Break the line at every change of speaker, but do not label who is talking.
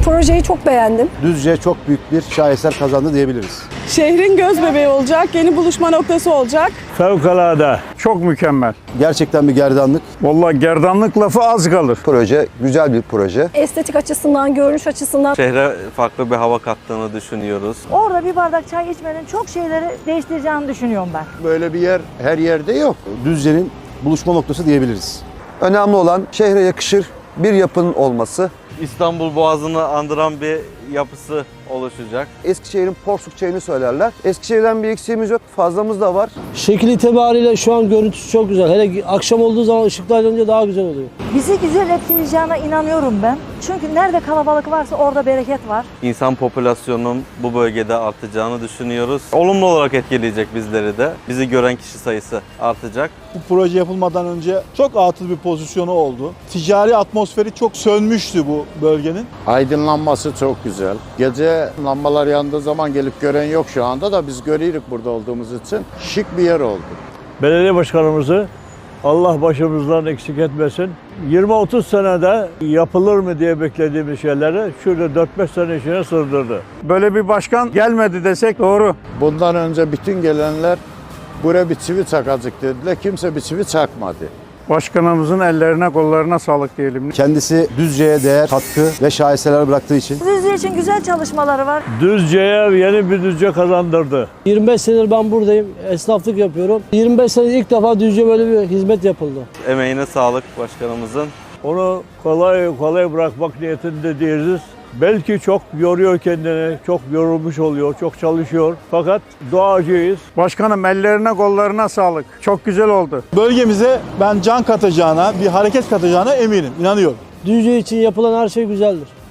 Projeyi çok beğendim.
Düzce çok büyük bir şaheser kazandı diyebiliriz.
Şehrin göz bebeği olacak, yeni buluşma noktası olacak.
Fevkalade. Çok mükemmel.
Gerçekten bir gerdanlık.
Vallahi gerdanlık lafı az kalır.
Proje güzel bir proje.
Estetik açısından, görünüş açısından.
Şehre farklı bir hava kattığını düşünüyoruz.
Orada bir bardak çay içmenin çok şeyleri değiştireceğini düşünüyorum ben.
Böyle bir yer her yerde yok.
Düzce'nin buluşma noktası diyebiliriz.
Önemli olan şehre yakışır bir yapının olması.
İstanbul Boğazı'nı andıran bir yapısı oluşacak.
Eskişehir'in porsuk çayını söylerler. Eskişehir'den bir eksiğimiz yok, fazlamız da var.
Şekil itibariyle şu an görüntüsü çok güzel. Hele akşam olduğu zaman ışıklar yanınca daha güzel oluyor.
Bizi güzel etkileyeceğine inanıyorum ben. Çünkü nerede kalabalık varsa orada bereket var.
İnsan popülasyonunun bu bölgede artacağını düşünüyoruz. Olumlu olarak etkileyecek bizleri de. Bizi gören kişi sayısı artacak.
Bu proje yapılmadan önce çok atıl bir pozisyonu oldu. Ticari atmosferi çok sönmüştü bu bölgenin.
Aydınlanması çok güzel. Gece lambalar yandığı zaman gelip gören yok şu anda da biz görüyoruz burada olduğumuz için. Şık bir yer oldu.
Belediye başkanımızı Allah başımızdan eksik etmesin. 20-30 senede yapılır mı diye beklediğimiz şeyleri şurada 4-5 sene içine sığdırdı. Böyle bir başkan gelmedi desek doğru.
Bundan önce bütün gelenler buraya bir çivi çakacak dediler. Kimse bir çivi çakmadı.
Başkanımızın ellerine kollarına sağlık diyelim.
Kendisi Düzce'ye değer, katkı ve şaheserler bıraktığı için
Düzce için güzel çalışmaları var.
Düzce'ye yeni bir Düzce kazandırdı.
25 senedir ben buradayım. Esnaflık yapıyorum. 25 senedir ilk defa Düzce böyle bir hizmet yapıldı.
Emeğine sağlık başkanımızın.
Onu kolay kolay bırakmak niyetinde değiliz. Belki çok yoruyor kendini, çok yorulmuş oluyor, çok çalışıyor. Fakat doğacıyız. Başkanım ellerine kollarına sağlık. Çok güzel oldu.
Bölgemize ben can katacağına, bir hareket katacağına eminim, inanıyorum.
Düzce için yapılan her şey güzeldir.